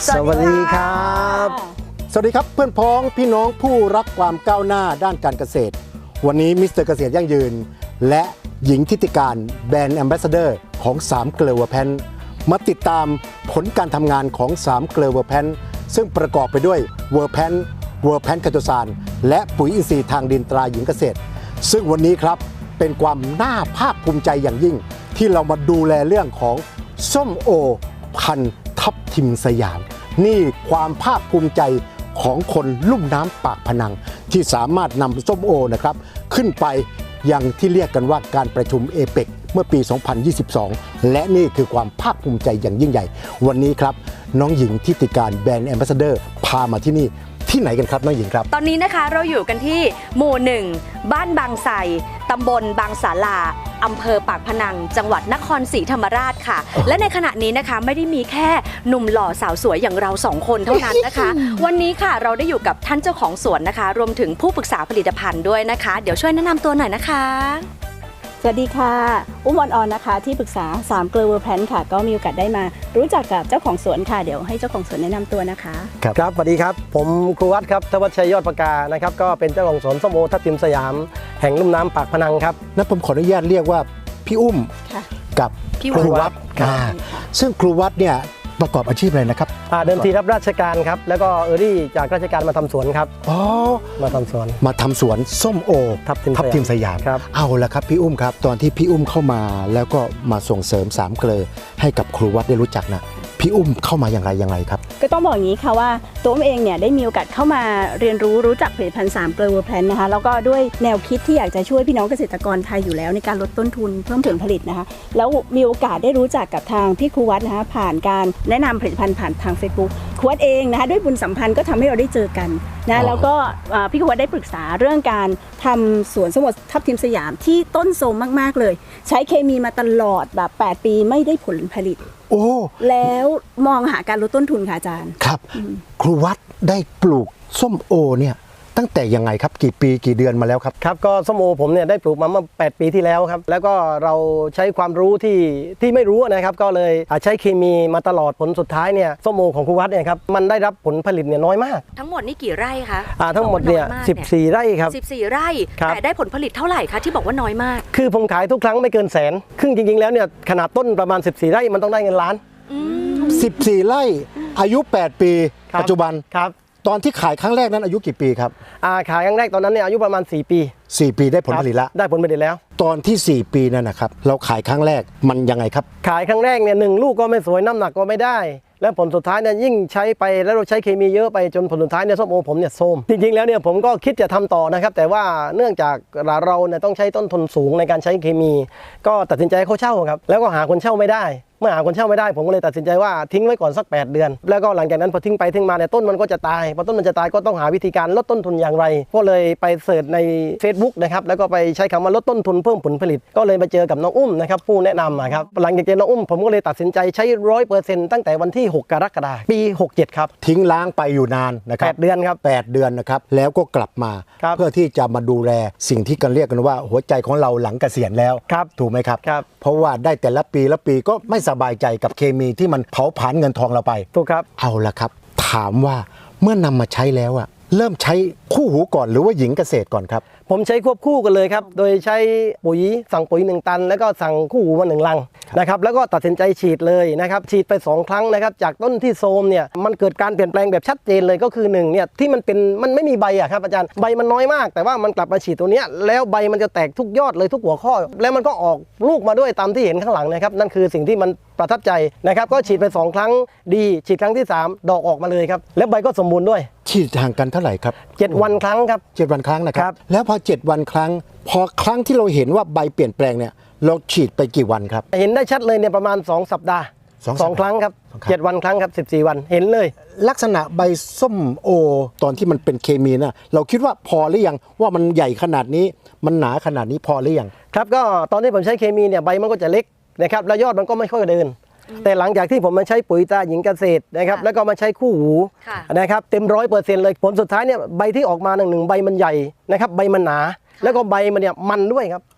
สวัสดีครับสวัสดีครับเพื่อนพ้องพี่น้องผู้รักความก้าวหน้าด้านการเกษตรวันนี้มิสเตอร์เกษตรยั่งยืนและหญิงทิติการแบรนด์แอมบาสเดอร์ของ3เกลือเวอร์แพนมาติดตามผลการทำงานของ3เกลือเวอร์แพนซึ่งประกอบไปด้วยเวอร์แพนคาโตซานและปุ๋ยอินทรีย์ทางดินตราหญิงเกษตรซึ่งวันนี้ครับเป็นความน่าภาคภูมิใจอย่างยิ่งที่เรามาดูแลเรื่องของส้มโอพันธุ์ทับทิมสยามนี่ความภาคภูมิใจของคนลุ่มน้ำปากพนังที่สามารถนำส้มโอนะครับขึ้นไปยังที่เรียกกันว่าการประชุมเอเปกเมื่อปี 2022 และนี่คือความภาคภูมิใจอย่างยิ่งใหญ่วันนี้ครับน้องหญิงทิติการแบรนด์แอมบาสเดอร์พามาที่นี่ที่ไหนกันครับน้องหญิงครับตอนนี้นะคะเราอยู่กันที่หมู่1บ้านบางไทรตำบลบางสาลาอำเภอปากพนังจังหวัดนครศรีธรรมราชค่ะและในขณะนี้นะคะไม่ได้มีแค่หนุ่มหล่อสาวสวยอย่างเรา2คนเท่านั้นนะคะ วันนี้ค่ะเราได้อยู่กับท่านเจ้าของสวนนะคะรวมถึงผู้ปรึกษาผลิตภัณฑ์ด้วยนะคะเดี๋ยวช่วยแนะนำตัวหน่อยนะคะสวัสดีค่ะอุ้มออนนะคะที่ปรึกษา3เกลือเวอร์แพนค่ะก็มีโอกาสได้มารู้จักกับเจ้าของสวนค่ะเดี๋ยวให้เจ้าของสวนแนะนำตัวนะคะครับสวัสดีครับผมครูวัดครับทวัชชัยยอดประกานะครับก็เป็นเจ้าของสวนส้มโอทับทิมสยามแห่งลุ่มน้ำปากพนังครับนั้นผมขออนุญาตเรียกว่าพี่อุ้มกับครูวัดซึ่งครูวัดเนี่ยประกอบอาชีพอะไรนะครับเดิมทีรับราชการครับแล้วก็รี่จากราชการมาทำสวนครับมาทำสวนส้มโอทับทิมสยามเอาละครับพี่อุ้มครับตอนที่พี่อุ้มเข้ามาแล้วก็มาส่งเสริม3เกลือให้กับครูวัดได้รู้จักนะพี่อุ้มเข้ามาอย่างไรครับก็ต้องบอกอย่างนี้ค่ะว่าตัวเองเนี่ยได้มีโอกาสเข้ามาเรียนรู้จักผลิตภัณฑ์3เกลือเวอร์แพนนะคะแล้วก็ด้วยแนวคิดที่อยากจะช่วยพี่น้องเกษตรกรไทยอยู่แล้วในการลดต้นทุนเพิ่มผลผลิตนะคะแล้วมีโอกาสได้รู้จักกับทางพี่ครูวัดนะคะผ่านการแนะนำผลิตภัณฑ์ผ่านทาง Facebook ครูวัดเองนะคะด้วยบุญสัมพันธ์ก็ทำให้เราได้เจอกันนะแล้วก็พี่ครูวัดได้ปรึกษาเรื่องการทำสวนส้มโอทับทิมสยามที่ต้นโทรมมากๆเลยใช้เคมีมาตลอดแบบ8 ปีไม่ได้ผลผลิตแล้วมองหาการลดต้นทุนค่ะอาจารย์ครับครูวัดได้ปลูกส้มโอเนี่ยตั้งแต่ยังไงครับกี่ปีกี่เดือนมาแล้วครับครับก็ส้มโอผมเนี่ยได้ปลูกมาเมื่อ8 ปีที่แล้วครับแล้วก็เราใช้ความรู้ที่ไม่รู้นะครับก็เลยใช้เคมีมาตลอดผลสุดท้ายเนี่ยส้มโอของครูวัดเนี่ยครับมันได้รับผลผลิตเนี่ยน้อยมากทั้งหมดนี่กี่ไร่คะทั้งหมดเนี่ย14 ไร่ครับ 14 ไร่แต่ได้ผลผลิตเท่าไหร่คะที่บอกว่าน้อยมากคือผมขายทุกครั้งไม่เกินแสนครึ่งจริงๆแล้วเนี่ยขนาดต้นประมาณ14 ไร่มันต้องได้เงินล้าน 14 ไร่อายุ8 ปีปัจจุบันครับตอนที่ขายครั้งแรกนั้นอายุกี่ปีครับขายครั้งแรกตอนนั้นเนี่ยอายุประมาณ4 ปีได้ผลผลิตแล้วได้ผลผลิตแล้วตอนที่4 ปีนั่นนะครับเราขายครั้งแรกมันยังไงครับขายครั้งแรกเนี่ย1 ลูกก็ไม่สวยน้ำหนักก็ไม่ได้และผลสุดท้ายเนี่ยยิ่งใช้ไปแล้วเราใช้เคมีเยอะไปจนผลสุดท้ายเนี่ยส้มโอผมเนี่ยโทรมจริงๆแล้วเนี่ยผมก็คิดจะทำต่อนะครับแต่ว่าเนื่องจากเราเนี่ยต้องใช้ต้นทุนสูงในการใช้เคมีก็ตัดสินใจเขาเช่าครับแล้วก็หาคนเช่าไม่ได้เมื่อหาคนเช่าไม่ได้ผมก็เลยตัดสินใจว่าทิ้งไว้ก่อนสัก8 เดือนแล้วก็หลังจากนั้นพอทิ้งไปทิ้งมาเนี่ยต้นมันก็จะตายพอต้นมันจะตายก็ต้องหาวิธีการลดต้นทุนอย่างไรก็เลยไปเสิร์ชใน Facebook นะครับแล้วก็ไปใช้คำว่าลดต้นทุนเพิ่มผลผลิตก็เลยมาเจอกับน้องอุ้มนะครับผู้แนะนำครับหลังจากเจอน้องอุ้มผมก็เลยตัดสินใจใช้ 100% ตั้งแต่วันที่6 กรกฎาคมปี67ครับทิ้งล้างไปอยู่นานนะครับ 8 เดือนครับ 8 เดือนนะครับแล้วก็กลับมาเพื่อที่จะมาดูแลสิ่งที่กันเรียกกันว่าหัวใจของเราหลังเกษียณแล้วถูกไหมครับเพราะว่าได้แต่ละปีก็ไม่สบายใจกับเคมีที่มันเผาผลาญเงินทองเราไปถูกครับเอาละครับถามว่าเมื่อนำมาใช้แล้วเริ่มใช้คู่หูก่อนหรือว่าหญิงเกษตรก่อนครับผมใช้ควบคู่กันเลยครับโดยใช้ปุ๋ยสั่งปุ๋ย1 ตันแล้วก็สั่งคู่หูมา1 ลังนะครับแล้วก็ตัดสินใจฉีดเลยนะครับฉีดไป2 ครั้งนะครับจากต้นที่โทรมเนี่ยมันเกิดการเปลี่ยนแปลงแบบชัดเจนเลยก็คือ1เนี่ยที่มันไม่มีใบครับอาจารย์ใบมันน้อยมากแต่ว่ามันกลับมาฉีดตัวเนี้ยแล้วใบมันจะแตกทุกยอดเลยทุกหัวข้อแล้วมันก็ออกลูกมาด้วยตามที่เห็นข้างหลังนะครับนั่นคือสิ่งที่มันประทับใจนะครับก็ฉีดไป2 ครั้งดีฉีดครั้งที่3ดอกออกมาเลยครับแล้วใบก็สมบูรณ์ด้วยฉีดห่างกันเท่าไหร่ครับ 7 วันครั้งครับ 7 วันครั้งนะครับแล้วพอ7 วันครั้งพอครั้งที่เราเห็นว่าใบเปลี่ยนแปลงเนี่ยเราฉีดไปกี่วันครับเห็นได้ชัดเลยเนี่ยประมาณ2 สัปดาห์2 ครั้งครับ7 วันครั้งครับ14 วันเห็นเลยลักษณะใบส้มโอตอนที่มันเป็นเคมีนะเราคิดว่าพอหรือยังว่ามันใหญ่ขนาดนี้มันหนาขนาดนี้พอหรือยังครับก็ตอนที่ผมใช้เคมีเนี่ยใบมันก็จะเล็กนะครับแล้วยอดมันก็ไม่ค่อยเดินแต่หลังจากที่ผมมาใช้ปุ๋ยตราหญิงเกษตรนะครับแล้วก็มาใช้คู่หูนะครับเต็ม100%เลยผลสุดท้ายเนี่ยใบที่ออกมา1 ใบมันใหญ่นะครับใบมันหนาแล้วก็ใบมันเนี่ยมันด้วยครับ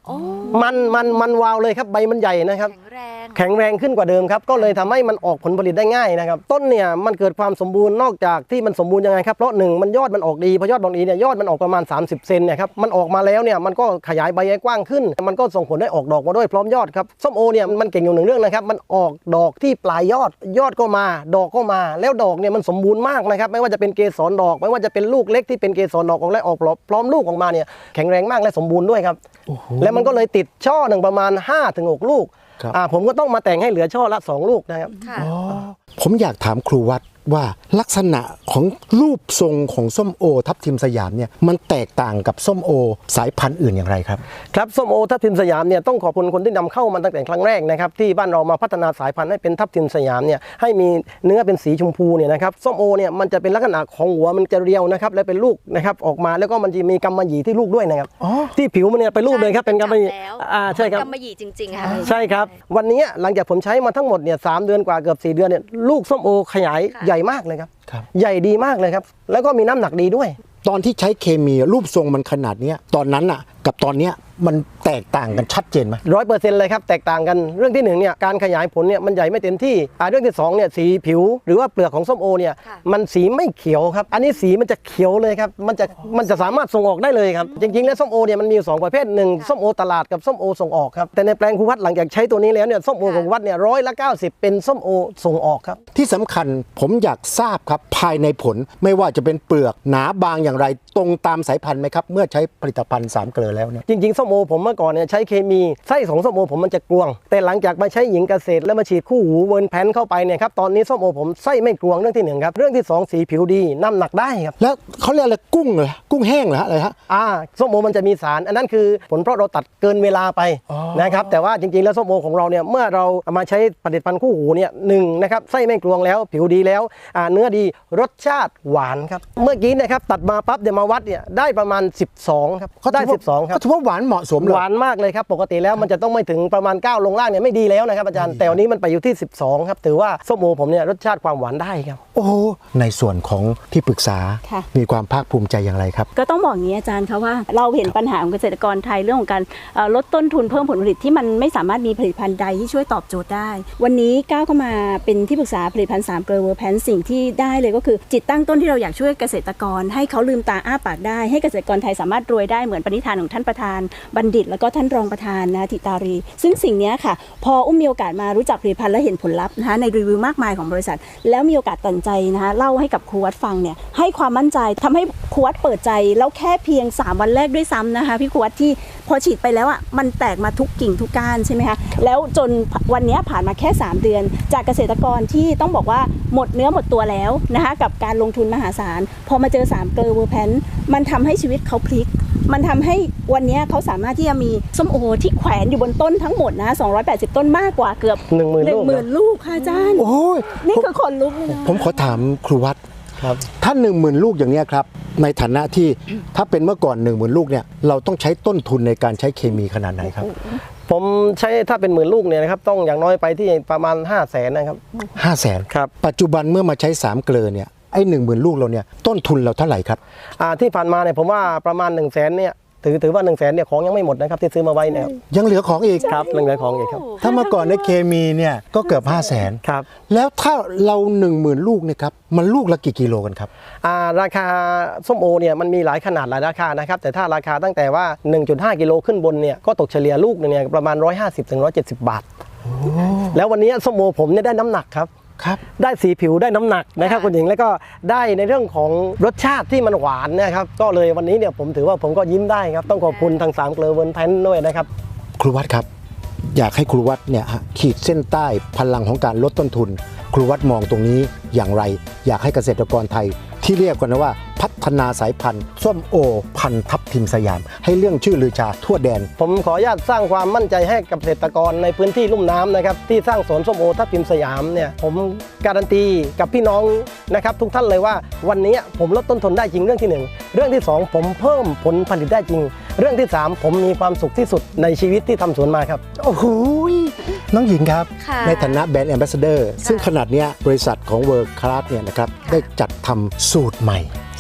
โอ้มันวาวเลยครับใบมันใหญ่นะครับแข็งแรงแข็งแรงขึ้นกว่าเดิมครับก็เลยทำให้มันออกผลผลิตได้ง่ายนะครับต้นเนี่ยมันเกิดความสมบูรณ์นอกจากที่มันสมบูรณ์ยังไงครับเพราะหนึ่งมันยอดมันออกดีพอยอดบางทีเนี่ยยอดมันออกประมาณ30 เซนเนี่ยครับมันออกมาแล้วเนี่ยมันก็ขยายใบให้กว้างขึ้นมันก็ส่งผลให้ออกดอกมาด้วยพร้อมยอดครับส้มโอเนี่ยมันเก่งอยู่หนึ่งเรื่องนะครับมันออกดอกที่ปลายยอดก็มาดอกก็มาแล้วดอกเนี่ยมันสมบูรณ์มากนะครับไม่ว่าจะเป็นเกสรดอกไม่ว่าจะเป็นลูกเล็กที่เป็นเกสรดอกออกและออกพร้อมลูกออกมาเนี่ยแข็งแรงมากและสมบูรณ์ด้วยครับแล้วมันก็เลยติดช่อหนึ่งประมาณ 5-6 ลูกผมก็ต้องมาแต่งให้เหลือช่อละ2 ลูกนะครับค่ะผมอยากถามครูวัดว่าลักษณะของรูปทรงของส้มโอทับทิมสยามเนี่ยมันแตกต่างกับส้มโอสายพันธุ์อื่นอย่างไรครับครับส้มโอทับทิมสยามเนี่ยต้องขอบคุณคนที่นำเข้ามาตั้งแต่ครั้งแรกนะครับที่บ้านเรามาพัฒนาสายพันธุ์ให้เป็นทับทิมสยามเนี่ยให้มีเนื้อเป็นสีชมพูเนี่ยนะครับส้มโอเนี่ยมันจะเป็นลักษณะของหัวมันจะเรียวนะครับและเป็นลูกนะครับออกมาแล้วก็มันจะมีกำมะหยี่ที่ลูกด้วยนะครับที่ผิวมันเนี่ยเป็นรูปเลยครับเป็นกำมะหยี่ใช่ครับกำมะหยี่จริงๆค่ะใช่ครับวันนี้หลังจากผมใช้มาทั้งหมดเนี่ย3 เดือนกว่าเกือบ4 เดือนเนี่ยลูกส้มโอขยายใหญ่มากเลยครับใหญ่ดีมากเลยครับแล้วก็มีน้ำหนักดีด้วยตอนที่ใช้เคมีรูปทรงมันขนาดนี้ตอนนั้นอ่ะกับตอนเนี้ยมันแตกต่างกันชัดเจนไหม 100%เลยครับแตกต่างกันเรื่องที่1เนี่ยการขยายผลเนี่ยมันใหญ่ไม่เต็มที่เรื่องที่2เนี่ยสีผิวหรือว่าเปลือกของส้มโอเนี่ยมันสีไม่เขียวครับอันนี้สีมันจะเขียวเลยครับมันจะสามารถส่งออกได้เลยครับจริงๆแล้วส้มโอเนี่ยมันมี2 ประเภท1ส้มโอตลาดกับส้มโอส่งออกครับแต่ในแปลงครูวัดหลังจากใช้ตัวนี้แล้วเนี่ยส้มโอของวัดเนี่ย90%เป็นส้มโอส่งออกครับที่สำคัญผมอยากทราบครับภายในผลไม่ว่าจะเป็นเปลือกหนาบางอย่างไรตรงตามสายพันธุ์ไหมครับเมื่อใช้ผลิตภัณฑ์3 เกลือแล้วเนี่ยจริงๆส้มโอผมเมื่อก่อนเนี่ยใช้เคมีไส้ของส้มโอผมมันจะกรวงแต่หลังจากมาใช้หญิงเกษตรแล้วมาฉีดคู่หูเวิร์นแพนเข้าไปเนี่ยครับตอนนี้ส้มโอผมไส้ไม่กรวงเรื่องที่1ครับเรื่องที่2สีผิวดีน้ำหนักได้ครับแล้วเขาเรียกอะไรกุ้งเหรอกุ้งแห้งเหรออะไรฮะส้มโอมันจะมีสารอันนั้นคือผลเพราะเราตัดเกินเวลาไปนะครับแต่ว่าจริงๆแล้วส้มโอของเราเนี่ยเมื่อเรามาใช้ผลิตภัณฑ์คู่หูเนี่ยนะครับไส้ไม่กรวงแล้วผิวดีแล้วเนื้อดีรสชาติหวานครับเมื่อกี้นะครับตัดมาปั๊บเดี๋ยวมาวัดเนี่ยได้ประมาณ12ครับเขาได้12ครับก็ถือว่าหวานเหมาะสมเลยหวานมากเลยครับปกติแล้วมันจะต้องไม่ถึงประมาณ9ลงล่างเนี่ยไม่ดีแล้วนะครับอาจารย์แต่วันนี้มันไปอยู่ที่12ครับถือว่าส้มโอผมเนี่ยรสชาติความหวานได้ครับโอ้ในส่วนของที่ปรึกษามีความภาคภูมิใจอย่างไรครับก็ต้องบอกอย่างนี้อาจารย์ครับว่าเราเห็นปัญหาของเกษตรกรไทยเรื่องของการลดต้นทุนเพิ่มผลผลิตที่มันไม่สามารถมีผลิตภัณฑ์ใดที่ช่วยตอบโจทย์ได้วันนี้ก้าวเข้ามาเป็นที่ปรึกษาผลิตภัณฑ์3 เกลือเวอร์แพนสิ่งที่ได้เลยก็คือจิตตั้งต้นที่เราอยากช่วยเกษตรกรให้เขาลืมตาอ้าปากได้ให้เกษตรกรไทยสามารถรวยได้เหมือนปณิธานของท่านประธานบัณฑิตแล้วก็ท่านรองประธานนะธิตารีซึ่งสิ่งนี้ค่ะพอมีโอกาสมารู้จักผลิตภัณฑ์และเห็นผลลัพธ์นะคะในรีวิวมากมายของบริษัทแล้วมีโอกาสตัดใจนะคะเล่าให้กับครูวัดฟังเนี่ยให้ความมั่นใจทำให้ครูวัดเปิดใจแล้วแค่เพียง3 วันแรกด้วยซ้ำนะคะพี่ครูวัดที่พอฉีดไปแล้วอ่ะมันแตกมาทุกกิ่งทุกก้านใช่ไหมคะแล้วจนวันนี้ผ่านมาแค่3 เดือนจากเกษตรกรที่ต้องบอกว่าหมดเนื้อหมดตัวแล้วนะคะกับการลงทุนมหาศาลพอมาเจอ3 เกลือเวอร์แพนมันทำให้ชีวิตเขาพลิกมันทำให้วันนี้เขาสามารถที่จะมีส้มโอที่แขวนอยู่บนต้นทั้งหมดนะ280 ต้นมากกว่าเกือบ 10,000 ลูกค่ะอาจารย์โอ้ยนี่คือคนลุกเลยนะผมขอถามครูวัดครับถ้า 10,000 ลูกอย่างนี้ครับในฐานะที่ถ้าเป็นเมื่อก่อน 10,000 ลูกเนี่ยเราต้องใช้ต้นทุนในการใช้เคมีขนาดไหนครับผมใช้ถ้าเป็น10,000 ลูกเนี่ยนะครับต้องอย่างน้อยไปที่ประมาณ500,000นะครับ 500,000 ครับปัจจุบันเมื่อมาใช้3 เกลือเนี่ยไอ้ 10,000 ลูกเราเนี่ยต้นทุนเราเท่าไหร่ครับที่ผ่านมาเนี่ยผมว่าประมาณ100,000เนี่ยถือว่า100,000เนี่ยของยังไม่หมดนะครับที่ซื้อมาไว้เนี่ยยังเหลือของอีกครับยังเหลือของอีกครับถ้าเมื่อก่อนในเคมีเนี่ยก็เกือบ500,000 ครับแล้วถ้าเรา 10,000 ลูกเนี่ยครับมันลูกละกี่กิโลกันครับราคาส้มโอเนี่ยมันมีหลายขนาดหลายราคานะครับแต่ถ้าราคาตั้งแต่ว่า 1.5 กิโลขึ้นบนเนี่ยก็ตกเฉลี่ยลูกเนี่ยประมาณ150-170 บาทแล้ววันนี้ส้มโอผมเนี่ยได้น้ำหนักครับได้สีผิวได้น้ำหนักนะครับคุณหญิงแล้วก็ได้ในเรื่องของรสชาติที่มันหวานนะครับก็เลยวันนี้เนี่ยผมถือว่าผมก็ยิ้มได้ครับต้องขอบคุณทาง3 เกลือเวิร์นแพนด้วยนะครับครูวัดครับอยากให้ครูวัดเนี่ยขีดเส้นใต้พลังของการลดต้นทุนครูวัดมองตรงนี้อย่างไรอยากให้เกษตรกรไทยที่เรียกกันว่าพัฒนาสายพันธุ์ส้มโอพันธุ์ทับทิมสยามให้เรื่องชื่อลือชาทั่วแดนผมขออนุญาตสร้างความมั่นใจให้กับเกษตรกรในพื้นที่ลุ่มน้ำนะครับที่สร้างสวนส้มโอทับทิมสยามเนี่ยผมการันตีกับพี่น้องนะครับทุกท่านเลยว่าวันนี้ผมลดต้นทุนได้จริงเรื่องที่1เรื่องที่2ผมเพิ่มผลผลิตได้จริงเรื่องที่3ผมมีความสุขที่สุดในชีวิตที่ทำสวนมาครับโอ้โหน้องหญิงครับในฐานะแบรนด์แอมบาสเดอร์ซึ่งขนาดนี้บริษัทของเวิร์คคลาสเนี่ยนะครับได้จัดทำสูตรใหม่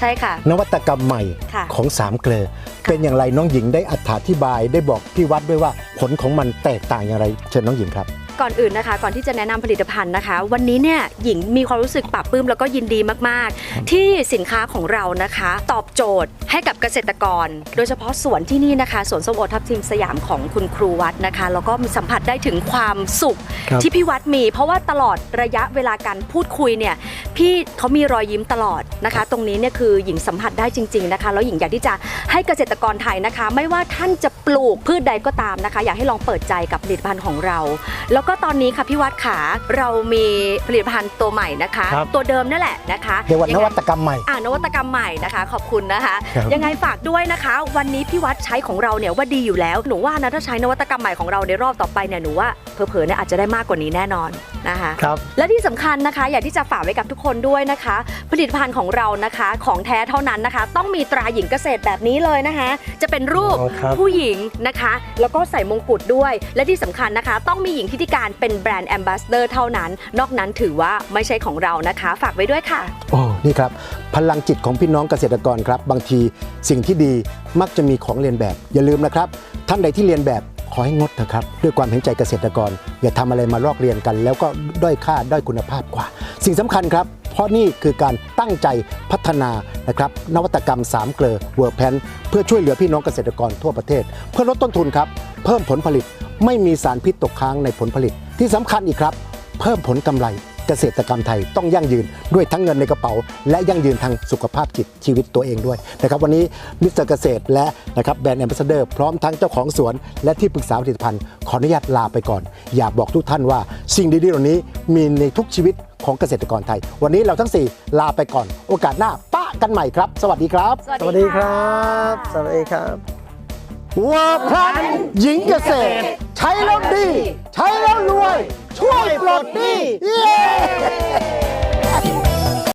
ใช่ค่ะนวัตกรรมใหม่ค่ะของสามเกลอเป็นอย่างไรน้องหญิงได้อธิบายได้บอกพี่วัดด้วยว่าผลของมันแตกต่างอย่างไรเชิญน้องหญิงครับก่อนอื่นนะคะก่อนที่จะแนะนำผลิตภัณฑ์นะคะ วันนี้เนี่ยหญิงมีความรู้สึกปลาบปลื้มแล้วก็ยินดีมากๆ ที่สินค้าของเรานะคะ ตอบโจทย์ให้กับเกษตรกร โดยเฉพาะสวนที่นี่นะคะสวนส้มโอทับทิมสยามของคุณครูวัดนะคะแล้วก็มีสัมผัสได้ถึงความสุขครับที่พี่วัดมี เพราะว่าตลอดระยะเวลาการพูดคุยเนี่ยพี่เขามีรอยยิ้มตลอดนะคะ ตรงนี้เนี่ยคือหญิงสัมผัสได้จริงๆนะคะแล้วหญิงอยากที่จะให้เกษตรกรไทยนะคะ ไม่ว่าท่านจะปลูกพืชใดก็ตามนะคะ อยากให้ลองเปิดใจกับผลิตภัณฑ์ของเรา แล้วก็ตอนนี้ค่ะพี่วัดขาเรามีผลิตภัณฑ์ตัวใหม่นะคะครับตัวเดิมนั่นแหละนะคะเรียกว่านวัตกรรมใหม่นวัตกรรมใหม่นะคะ ขอบคุณนะคะครับยังไงฝากด้วยนะคะ วันนี้พี่วัดใช้ของเราเนี่ยว่าดีอยู่แล้วหนูว่านะถ้าใช้นวัตกรรมใหม่ของเราในรอบต่อไปเนี่ยหนูว่าเผลอๆเนี่ยอาจจะได้มากกว่านี้แน่นอนนะคะครับและที่สำคัญนะคะอยากที่จะฝากไว้กับทุกคนด้วยนะคะ ผลิตภัณฑ์ของเรานะคะของแท้เท่านั้นนะคะ ต้องมีตราหญิงเกษตรแบบนี้เลยนะคะ จะเป็นรูปอ๋อครับผู้หญิงนะคะ แล้วก็ใส่มงกุฎด้วย และที่สำคัญนะคะ ต้องมีหญิงทิติการเป็นแบรนด์แอมบาสเดอร์เท่านั้น นอกนั้นถือว่าไม่ใช่ของเรานะคะ ฝากไว้ด้วยค่ะโอ้นี่ครับพลังจิตของพี่น้องเกษตรกรครับบางทีสิ่งที่ดีมักจะมีของเรียนแบบ อย่าลืมนะครับ ท่านใดที่เรียนแบบขอให้งดนะครับด้วยความเห็นใจเกษตรกร อย่าทำอะไรมาลอกเรียนกัน แล้วก็ด้อยค่าด้อยคุณภาพกว่า สิ่งสำคัญครับ เพราะนี่คือการตั้งใจพัฒนานะครับนวัตกรรม3เกลอเวิร์กแพนเพื่อช่วยเหลือพี่น้องเกษตรกรทั่วประเทศ เพื่อลดต้นทุนครับเพิ่มผลผลิตไม่มีสารพิษตกค้างในผลผลิตที่สำคัญอีกครับเพิ่มผลกำไร เกษตรกรรมไทยต้องยั่งยืนด้วยทั้งเงินในกระเป๋า และยั่งยืนทางสุขภาพจิตชีวิตตัวเองด้วยนะครับวันนี้มิสเตอร์เกษตรและนะครับแบรนด์แอมบาสเดอร์พร้อมทั้งเจ้าของสวน และที่ปรึกษาผลิตภัณฑ์ขออนุญาตลาไปก่อน อยากบอกทุกท่านว่าสิ่งดีๆเหล่านี้มีในทุกชีวิตของเกษตรกรไทย วันนี้เราทั้ง 4 ลาไปก่อน โอกาสหน้าป้ากันใหม่ครับ สวัสดีครับสวัสดีครับ สวัสดีครับเวิร์กแพนหญิงเกษตร ใช้แล้วดี ใช้แล้วรวย ช่วยปลดหนี้เย้